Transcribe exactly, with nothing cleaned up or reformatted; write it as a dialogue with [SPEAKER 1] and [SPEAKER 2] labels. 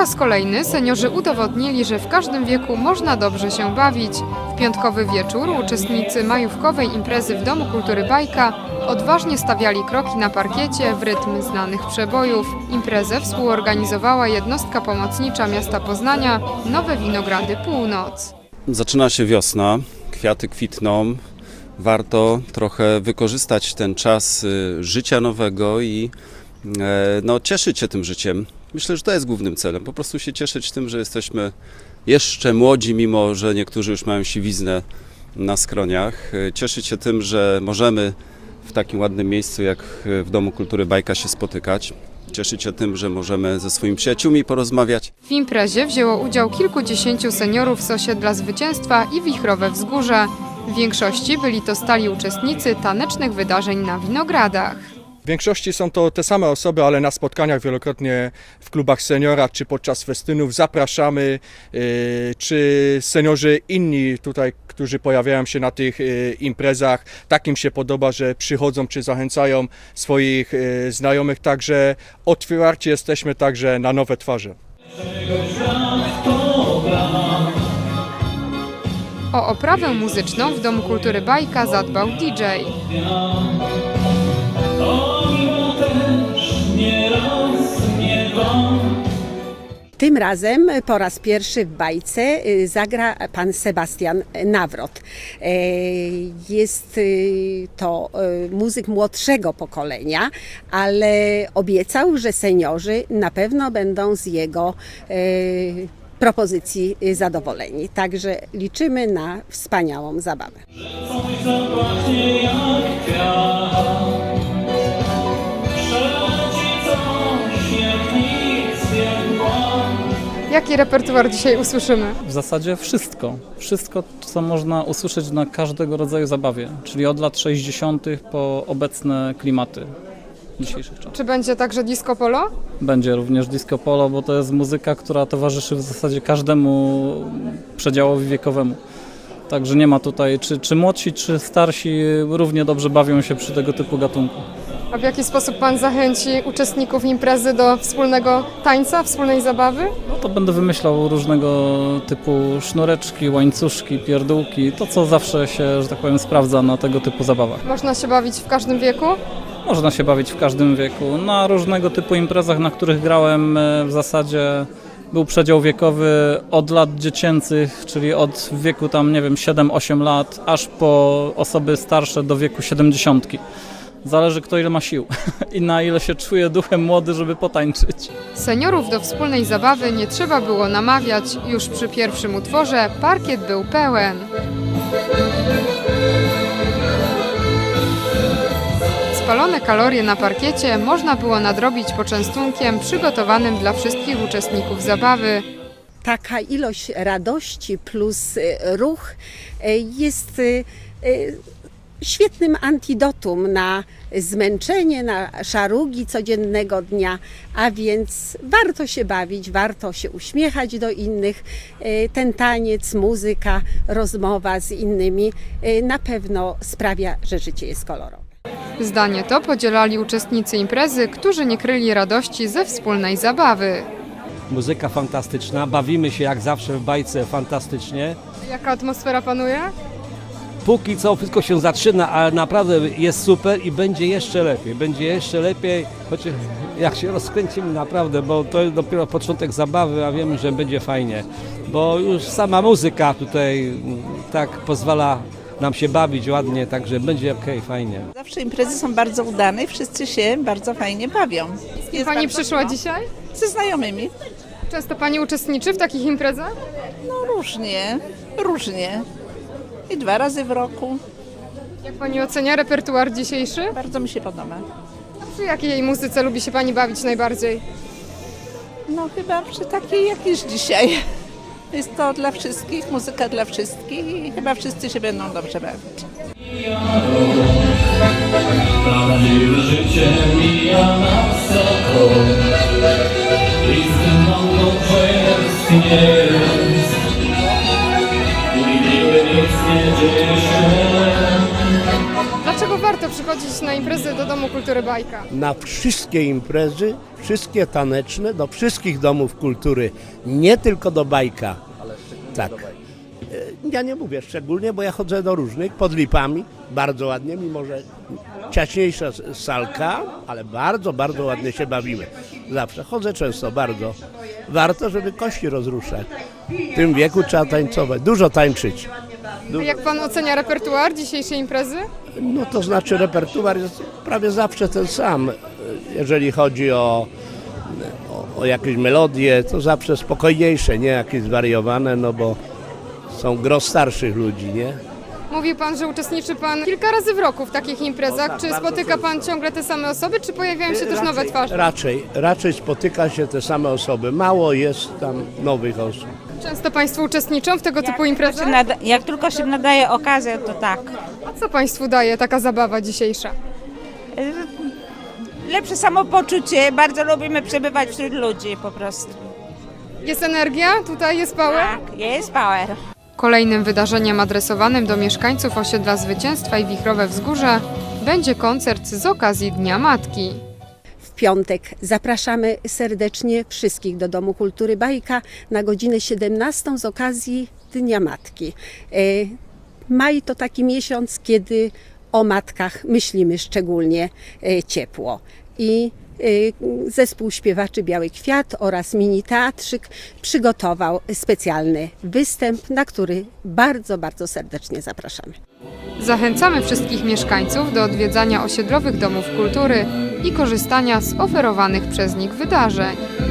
[SPEAKER 1] raz kolejny seniorzy udowodnili, że w każdym wieku można dobrze się bawić. W piątkowy wieczór uczestnicy majówkowej imprezy w Domu Kultury Bajka odważnie stawiali kroki na parkiecie w rytm znanych przebojów. Imprezę współorganizowała jednostka pomocnicza miasta Poznania Nowe Winogrady Północ.
[SPEAKER 2] Zaczyna się wiosna, kwiaty kwitną. Warto trochę wykorzystać ten czas życia nowego i no, cieszyć się tym życiem. Myślę, że to jest głównym celem. Po prostu się cieszyć tym, że jesteśmy jeszcze młodzi, mimo że niektórzy już mają siwiznę na skroniach. Cieszyć się tym, że możemy w takim ładnym miejscu jak w Domu Kultury Bajka się spotykać. Cieszyć się tym, że możemy ze swoimi przyjaciółmi porozmawiać.
[SPEAKER 1] W imprezie wzięło udział kilkudziesięciu seniorów z osiedla Zwycięstwa i Wichrowe Wzgórze. W większości byli to stali uczestnicy tanecznych wydarzeń na Winogradach.
[SPEAKER 3] W większości są to te same osoby, ale na spotkaniach wielokrotnie w klubach seniora czy podczas festynów zapraszamy, czy seniorzy inni tutaj, którzy pojawiają się na tych imprezach, tak im się podoba, że przychodzą czy zachęcają swoich znajomych, także otwarci jesteśmy także na nowe twarze.
[SPEAKER 1] O oprawę muzyczną w Domu Kultury Bajka zadbał D J.
[SPEAKER 4] Tym razem po raz pierwszy w bajce zagra pan Sebastian Nawrot. Jest to muzyk młodszego pokolenia, ale obiecał, że seniorzy na pewno będą z jego propozycji zadowoleni. Także liczymy na wspaniałą zabawę.
[SPEAKER 1] Jaki repertuar dzisiaj usłyszymy?
[SPEAKER 5] W zasadzie wszystko. Wszystko, co można usłyszeć na każdego rodzaju zabawie, czyli od lat sześćdziesiątych po obecne klimaty dzisiejszych czasów.
[SPEAKER 1] Czy będzie także disco polo?
[SPEAKER 5] Będzie również disco polo, bo to jest muzyka, która towarzyszy w zasadzie każdemu przedziałowi wiekowemu. Także nie ma tutaj, czy, czy młodsi, czy starsi równie dobrze bawią się przy tego typu gatunku.
[SPEAKER 1] A w jaki sposób pan zachęci uczestników imprezy do wspólnego tańca, wspólnej zabawy?
[SPEAKER 5] No to będę wymyślał różnego typu sznureczki, łańcuszki, pierdółki, to co zawsze się, że tak powiem, sprawdza na tego typu zabawach.
[SPEAKER 1] Można się bawić w każdym wieku?
[SPEAKER 5] Można się bawić w każdym wieku. Na różnego typu imprezach, na których grałem, w zasadzie był przedział wiekowy od lat dziecięcych, czyli od wieku tam, nie wiem, siedem osiem lat, aż po osoby starsze do wieku siedemdziesiątki. Zależy, kto ile ma sił i na ile się czuje duchem młody, żeby potańczyć.
[SPEAKER 1] Seniorów do wspólnej zabawy nie trzeba było namawiać. Już przy pierwszym utworze parkiet był pełen. Spalone kalorie na parkiecie można było nadrobić poczęstunkiem przygotowanym dla wszystkich uczestników zabawy.
[SPEAKER 4] Taka ilość radości plus ruch jest świetnym antidotum na zmęczenie, na szarugi codziennego dnia, a więc warto się bawić, warto się uśmiechać do innych. Ten taniec, muzyka, rozmowa z innymi na pewno sprawia, że życie jest kolorowe.
[SPEAKER 1] Zdanie to podzielali uczestnicy imprezy, którzy nie kryli radości ze wspólnej zabawy.
[SPEAKER 6] Muzyka fantastyczna, bawimy się jak zawsze w bajce fantastycznie.
[SPEAKER 1] Jaka atmosfera panuje?
[SPEAKER 6] Póki co wszystko się zaczyna, ale naprawdę jest super i będzie jeszcze lepiej. Będzie jeszcze lepiej, chociaż jak się rozkręcimy naprawdę, bo to jest dopiero początek zabawy, a wiemy, że będzie fajnie. Bo już sama muzyka tutaj tak pozwala nam się bawić ładnie, także będzie okej, okay, fajnie.
[SPEAKER 7] Zawsze imprezy są bardzo udane i wszyscy się bardzo fajnie bawią.
[SPEAKER 1] Jest Pani przyszła miło. Dzisiaj?
[SPEAKER 7] Ze znajomymi.
[SPEAKER 1] Często Pani uczestniczy w takich imprezach?
[SPEAKER 7] No różnie, różnie. I dwa razy w roku.
[SPEAKER 1] Jak Pani ocenia repertuar dzisiejszy?
[SPEAKER 7] Bardzo mi się podoba.
[SPEAKER 1] A przy jakiej muzyce lubi się Pani bawić najbardziej?
[SPEAKER 7] No chyba przy takiej jak jest dzisiaj. Jest to dla wszystkich, muzyka dla wszystkich i chyba wszyscy się będą dobrze bawić.
[SPEAKER 8] Prawdziwe życie mija na wysoko i z tym mąką jest. I niby nic nie dzieje się.
[SPEAKER 1] Dlaczego warto warto przychodzić na imprezy do Domu Kultury Bajka?
[SPEAKER 9] Na wszystkie imprezy, wszystkie taneczne, do wszystkich domów kultury, nie tylko do Bajka. Tak. Ja nie mówię szczególnie, bo ja chodzę do różnych, pod Lipami, bardzo ładnie, mimo że ciaśniejsza salka, ale bardzo, bardzo ładnie się bawimy. Zawsze chodzę często, bardzo. Warto, żeby kości rozruszać. W tym wieku trzeba tańcować, dużo tańczyć.
[SPEAKER 1] A jak pan ocenia repertuar dzisiejszej imprezy?
[SPEAKER 9] No to znaczy repertuar jest prawie zawsze ten sam. Jeżeli chodzi o, o, o jakieś melodie, to zawsze spokojniejsze, nie jakieś zwariowane, no bo są gros starszych ludzi, nie?
[SPEAKER 1] Mówił pan, że uczestniczy pan kilka razy w roku w takich imprezach.
[SPEAKER 9] O tak,
[SPEAKER 1] Czy
[SPEAKER 9] bardzo
[SPEAKER 1] spotyka pan
[SPEAKER 9] często.
[SPEAKER 1] ciągle te same osoby, czy pojawiają się też nowe twarze?
[SPEAKER 9] Raczej, raczej spotyka się te same osoby. Mało jest tam nowych osób.
[SPEAKER 1] Często państwo uczestniczą w tego typu
[SPEAKER 10] Się
[SPEAKER 1] imprezach?
[SPEAKER 10] nada- jak tylko się nadaje okazja, to tak.
[SPEAKER 1] A co państwu daje taka zabawa dzisiejsza?
[SPEAKER 10] Lepsze samopoczucie, bardzo lubimy przebywać wśród ludzi po prostu.
[SPEAKER 1] Jest energia? Tutaj jest power?
[SPEAKER 10] Tak, jest power.
[SPEAKER 1] Kolejnym wydarzeniem adresowanym do mieszkańców osiedla Zwycięstwa i Wichrowe Wzgórze będzie koncert z okazji Dnia Matki.
[SPEAKER 4] W piątek zapraszamy serdecznie wszystkich do Domu Kultury Bajka na godzinę siedemnastą z okazji Dnia Matki. E, Maj to taki miesiąc, kiedy o matkach myślimy szczególnie e, ciepło. I e, zespół śpiewaczy Biały Kwiat oraz mini teatrzyk przygotował specjalny występ, na który bardzo, bardzo serdecznie zapraszamy.
[SPEAKER 1] Zachęcamy wszystkich mieszkańców do odwiedzania osiedlowych domów kultury i korzystania z oferowanych przez nich wydarzeń.